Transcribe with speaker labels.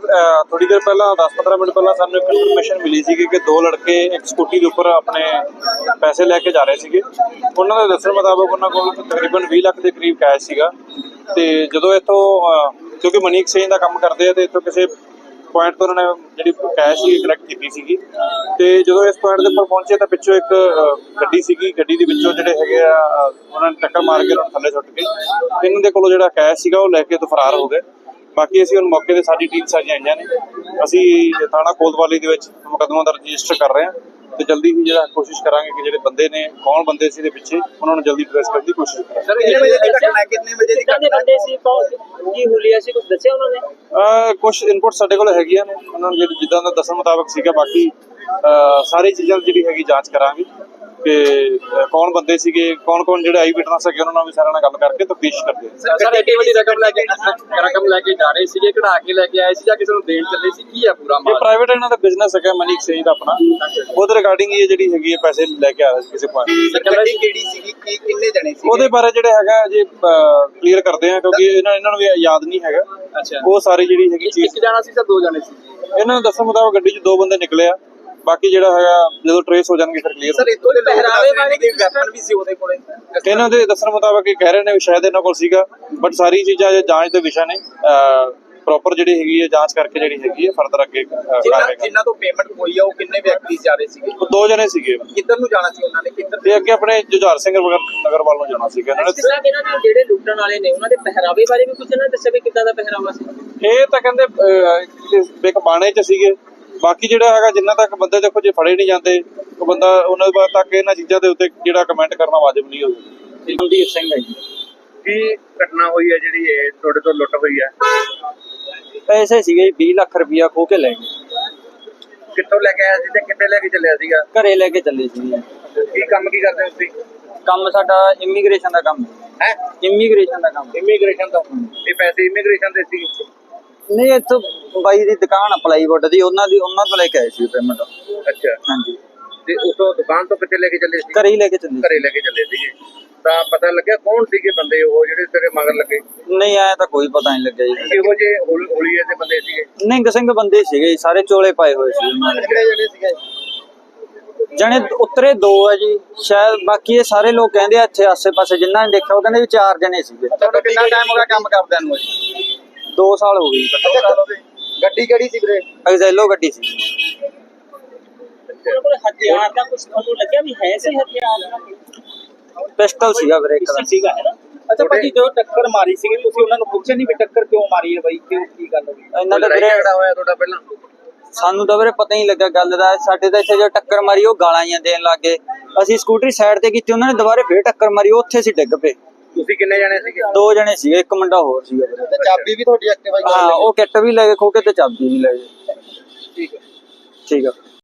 Speaker 1: थोड़ी देर पहला 10-15 मिनट पहला सानू एक इन्फॉर्मेशन मिली सी कि दो लड़के एक स्कूटी के उपर अपने पैसे लैके जा रहे थे। उन्होंने दस्सण मुताबिक उन्होंने कोल तकरीबन 20 लाख के करीब कैश सीगा ते जदों इत्थों क्योंकि मनी एक्सचेंज का काम करते हैं तो इत्थों किसी पॉइंट तो उन्होंने जी कैश ही कलैक्ट की सी ते जदों इस पॉइंट के उपर पहुंचे तो पिछों एक गड्डी सीगी, गड्डी दे विचों जिहड़े हैगे आ उन्होंने टक्कर मार के उन्होंने थल्ले सुੱਟ के इन्हां दे कोलों जिहड़ा कैश सीगा वो लैके तो फरार हो गए। बाकी असीं हुण मौके ते साडी टीम सारियां आईयां ने, असीं थाणा कोतवाली दे विच मुकदमा दर्ज रजिस्टर कर रहे हैं ते जल्दी ही जिहड़ा कोशिश करांगे कि जिहड़े बंदे ने कौन बंदे सी दे पिछे उन्हां नूं जल्दी ट्रेस करन दी कोशिश करांगे।
Speaker 2: सर कितने बजे की घटना है, कितने बजे की घटना बंदे सी की हुलिया सी कुछ दस्सिया उन्होंने?
Speaker 1: कुछ इनपुट साडे कोल हैगियां ने, उन्हां नूं जिद्दां दा दस्सण मुताबिक सीगा। बाकी सारी चीज़ां जिहड़ी हैगी जांच करांगे कि कौन बंदे सीगे, कौन कौन जिहड़े आई विटनेस है उन्होंने भी सारे नाल गल करके तफ्तीश करदे हैं।
Speaker 2: सर एडी वड्डी रकम लेके जा रहे सीगे, कढ़ा के लेके आए सी जां किसी नूं देण चले सी, की है पूरा
Speaker 1: ये प्राइवेट इन्हां दा बिजनेस है मनी एक्सचेंज दा अपना, ਉਹਦੇ ਰਿਗਾਰਡਿੰਗ ਇਹ ਜਿਹੜੀ ਹੈਗੀ ਹੈ ਪੈਸੇ ਲੈ ਕੇ ਆ ਰਹੇ ਸੀ ਕਿਸੇ ਪੁਆਇੰਟ।
Speaker 2: ਗੱਡੀ ਕਿਹੜੀ ਸੀਗੀ, ਕੀ ਕਿੰਨੇ ਜਣੇ ਸੀ?
Speaker 1: ਉਹਦੇ ਬਾਰੇ ਜਿਹੜਾ ਹੈਗਾ ਜੀ ਕਲੀਅਰ ਕਰਦੇ ਆ ਕਿਉਂਕਿ ਇਹਨਾਂ ਨੂੰ ਵੀ ਯਾਦ ਨਹੀਂ ਹੈਗਾ।
Speaker 2: ਅੱਛਾ,
Speaker 1: ਉਹ ਸਾਰੀ ਜਿਹੜੀ ਹੈਗੀ ਚੀਜ਼
Speaker 2: ਇੱਕ ਜਣਾ ਸੀ ਸਰ, ਦੋ ਜਣੇ ਸੀ?
Speaker 1: ਇਹਨਾਂ ਨੂੰ ਦੱਸਣ ਮੁਤਾਬਕ ਗੱਡੀ 'ਚ 2 ਬੰਦੇ ਨਿਕਲੇ ਆ, ਬਾਕੀ ਜਿਹੜਾ ਹੈਗਾ ਜਦੋਂ ਟ੍ਰੇਸ ਹੋ ਜਾਣਗੇ ਫਿਰ ਕਲੀਅਰ।
Speaker 2: ਸਰ ਇਤੋਂ ਦੇ ਪਹਿਰਾਵੇ ਵਾਲੇ ਦੇ ਵੈਪਨ ਵੀ ਸੀ ਉਹਦੇ ਕੋਲੇ?
Speaker 1: ਇਹਨਾਂ ਦੇ ਦੱਸਣ ਮੁਤਾਬਕ ਇਹ ਕਹਿ ਰਹੇ ਨੇ ਵੀ ਸ਼ਾਇਦ ਇਹਨਾਂ ਕੋਲ ਸੀਗਾ, ਬਟ ਸਾਰੀ ਚੀਜ਼ਾਂ ਜਾਂਚ ਦੇ ਵਿਸ਼ਾ ਨੇ। ਪ੍ਰੋਪਰ ਜਿਹੜੀ ਹੈਗੀ ਹੈ ਜਾਂਚ ਕਰਕੇ ਜਿਹੜੀ ਹੈਗੀ ਹੈ ਫਰਦਰ ਅੱਗੇ
Speaker 2: ਜਿਨ੍ਹਾਂ ਤੋਂ ਪੇਮੈਂਟ ਹੋਈ ਆ ਉਹ ਕਿੰਨੇ ਵਿਅਕਤੀ ਜਾ ਰਹੇ ਸੀਗੇ?
Speaker 1: 2 ਜਣੇ ਸੀਗੇ।
Speaker 2: ਕਿੱਧਰ ਨੂੰ ਜਾਣਾ ਸੀ ਉਹਨਾਂ ਨੇ, ਕਿੱਧਰ
Speaker 1: ਤੇ ਅੱਗੇ ਆਪਣੇ ਜੁਝਾਰ ਸਿੰਘ ਨਗਰ ਵੱਲ ਨੂੰ ਜਾਣਾ ਸੀਗਾ ਇਹਨਾਂ ਨੇ।
Speaker 3: ਇਹਨਾਂ ਦੇ ਜਿਹੜੇ ਲੁੱਟਣ ਵਾਲੇ ਨੇ ਉਹਨਾਂ ਦੇ ਪਹਿਰਾਵੇ ਬਾਰੇ ਵੀ ਕੁਝ ਇਹਨਾਂ ਨੇ ਦੱਸਿਆ ਵੀ ਕਿੱਦਾਂ ਦਾ ਪਹਿਰਾਵਾ ਸੀ?
Speaker 1: ਇਹ ਤਾਂ ਕਹਿੰਦੇ ਇੱਕ ਬਾਣੇ 'ਚ ਸੀਗੇ। ਬਾਕੀ ਜਿਹੜਾ ਹੈਗਾ ਜਿੰਨਾ ਤੱਕ ਬੰਦੇ ਦੇਖੋ ਜੇ ਫੜੇ ਨਹੀਂ ਜਾਂਦੇ ਉਹ ਬੰਦਾ ਉਹਨਾਂ ਦੇ ਬਾਅਦ ਤੱਕ ਇਹਨਾਂ ਚੀਜ਼ਾਂ ਦੇ ਉੱਤੇ ਜਿਹੜਾ ਕਮੈਂਟ ਕਰਨਾ ਵਾਜਬ ਨਹੀਂ ਹੋਊਗਾ।
Speaker 3: ਮਨਦੀਪ ਸਿੰਘ ਹੈ ਜੀ।
Speaker 2: ਕੀ ਘਟਨਾ ਹੋਈ ਹੈ ਜਿਹੜੀ ਇਹ ਤੁਹਾਡੇ ਤੋਂ ਲੁੱਟ ਹੋਈ ਹੈ?
Speaker 3: ਪੈਸੇ ਸੀਗੇ 20 ਲੱਖ ਰੁਪਇਆ ਖੋ ਕੇ ਲੈ ਗਏ।
Speaker 2: ਕਿੱਥੋਂ ਲੈ ਕੇ ਆਇਆ ਸੀ ਤੇ ਕਿੱਥੇ ਲੈ ਕੇ ਚੱਲਿਆ ਸੀਗਾ?
Speaker 3: ਘਰੇ ਲੈ ਕੇ ਚੱਲੇ ਸੀ।
Speaker 2: ਕੀ ਕੰਮ ਕੀ ਕਰਦੇ ਤੁਸੀਂ?
Speaker 3: ਕੰਮ ਸਾਡਾ ਇਮੀਗ੍ਰੇਸ਼ਨ ਦਾ ਕੰਮ
Speaker 2: ਹੈ।
Speaker 3: ਇਮੀਗ੍ਰੇਸ਼ਨ ਦਾ ਕੰਮ।
Speaker 2: ਇਮੀਗ੍ਰੇਸ਼ਨ ਦਾ? ਇਹ ਪੈਸੇ ਇਮੀਗ੍ਰੇਸ਼ਨ ਦੇ ਸੀ?
Speaker 3: ਨਹੀਂ, ਇੱਥੋਂ ਬਾਈ ਦੀ ਦੁਕਾਨ ਪਲਾਈਵੁੱਡ ਦੀ, ਉਹਨਾਂ ਤੋਂ ਲੈ ਕੇ ਆਏ ਸੀ ਪੇਮੈਂਟ।
Speaker 2: ਅੱਛਾ,
Speaker 3: ਹਾਂਜੀ।
Speaker 2: ਤੇ ਉਸੋਂ ਦੁਕਾਨ ਤੋਂ ਕਿੱਥੇ ਲੈ ਕੇ ਚੱਲੇ ਸੀ?
Speaker 3: ਘਰੇ ਹੀ ਲੈ ਕੇ ਚੱਲੇ।
Speaker 2: ਘਰੇ ਲੈ ਕੇ ਚੱਲੇ ਸੀਗੇ ਤਾਂ ਪਤਾ ਲੱਗਿਆ ਕੌਣ ਸੀਗੇ ਬੰਦੇ ਉਹ ਜਿਹੜੇ ਤੇਰੇ ਮਗਰ ਲੱਗੇ?
Speaker 3: ਨਹੀਂ, ਆਇਆ ਤਾਂ ਕੋਈ ਪਤਾ ਨਹੀਂ ਲੱਗਿਆ ਜੀ।
Speaker 2: ਇਹੋ ਜਿਹੇ ਹੋਲੀਏ ਦੇ ਬੰਦੇ ਸੀਗੇ?
Speaker 3: ਨਿੰਗ ਸਿੰਘ ਬੰਦੇ ਸੀਗੇ, ਸਾਰੇ ਚੋਲੇ ਪਾਏ ਹੋਏ ਸੀ ਉਹਨਾਂ ਨੇ।
Speaker 2: ਕਿਹੜੇ ਜਣੇ ਸੀਗੇ?
Speaker 3: ਜਣੇ ਉਤਰੇ 2 ਆ ਜੀ ਸ਼ਾਇਦ, ਬਾਕੀ ਇਹ ਸਾਰੇ ਲੋਕ ਕਹਿੰਦੇ ਆ ਇੱਥੇ ਆਸੇ-ਪਾਸੇ ਜਿਨ੍ਹਾਂ ਨੇ ਦੇਖਿਆ ਉਹ ਕਹਿੰਦੇ ਵੀ 4 ਜਣੇ ਸੀਗੇ।
Speaker 2: ਤੁਹਾਨੂੰ ਕਿੰਨਾ ਟਾਈਮ ਹੋ ਗਿਆ ਕੰਮ ਕਰਦਿਆਂ ਨੂੰ?
Speaker 3: 2 ਸਾਲ ਹੋ ਗਏ।
Speaker 2: ਗੱਡੀ ਕਿਹੜੀ ਸੀ ਵੀਰੇ?
Speaker 3: ਐਗਜ਼ੈਲੋ ਗੱਡੀ ਸੀ।
Speaker 4: ਉਹਨਾਂ ਕੋਲ ਹਥਿਆਰ ਦਾ ਕੁਝ ਤੁਹਾਨੂੰ ਲੱਗਿਆ ਵੀ ਹੈ ਸੀ ਹਥਿਆਰ?
Speaker 3: ਪਿਸਟਲ ਸੀਗਾ ਵੀਰੇ ਇੱਕ ਦਾ।
Speaker 4: ਸੀਗਾ ਹੈ ਨਾ।
Speaker 2: ਅੱਛਾ ਭਾਜੀ, ਜੋ ਟੱਕਰ ਮਾਰੀ ਸੀਗੀ ਤੁਸੀਂ ਉਹਨਾਂ ਨੂੰ ਪੁੱਛਿਆ ਨਹੀਂ ਵੀ ਟੱਕਰ ਕਿਉਂ ਮਾਰੀ ਹੈ ਬਾਈ, ਕਿਉਂ ਕੀ ਗੱਲ ਹੋਈ?
Speaker 3: ਇਹਨਾਂ ਦਾ ਵੀਰੇ
Speaker 2: ਹੋਇਆ ਤੁਹਾਡਾ ਪਹਿਲਾਂ?
Speaker 3: ਸਾਨੂੰ ਤਾਂ ਵੀਰੇ ਪਤਾ ਹੀ ਨਹੀਂ ਲੱਗਾ ਗੱਲ ਦਾ। ਸਾਡੇ ਤਾਂ ਇੱਥੇ ਜੋ ਟੱਕਰ ਮਾਰੀ ਉਹ ਗਾਲਾਂ ਹੀ ਦੇਣ ਲੱਗ ਗਏ। ਅਸੀਂ ਸਕੂਟਰੀ ਸਾਈਡ ਤੇ ਕੀਤੀ, ਉਹਨਾਂ ਨੇ ਦੁਬਾਰੇ ਫੇਰ ਟੱਕਰ ਮਾਰੀ, ਉਹ ਉੱਥੇ ਸੀ ਡਿੱਗ ਪਏ।
Speaker 2: ਤੁਸੀਂ ਕਿੰਨੇ ਜਣੇ ਸੀਗੇ?
Speaker 3: 2 ਜਣੇ ਸੀਗੇ, ਇੱਕ ਮੁੰਡਾ ਹੋਰ ਸੀਗਾ ਵੀਰੇ।
Speaker 2: ਤੇ ਚਾਬੀ ਵੀ ਤੁਹਾਡੀ ਐਕਟਿਵਾ?
Speaker 3: ਹਾਂ, ਉਹ ਕਿੱਟ ਵੀ ਲੈ ਗਏ ਖੋ ਕੇ ਤੇ ਚਾਬੀ ਵੀ ਲੈ ਗਏ।
Speaker 2: ਠੀਕ ਹੈ।
Speaker 3: ਠੀਕ ਆ।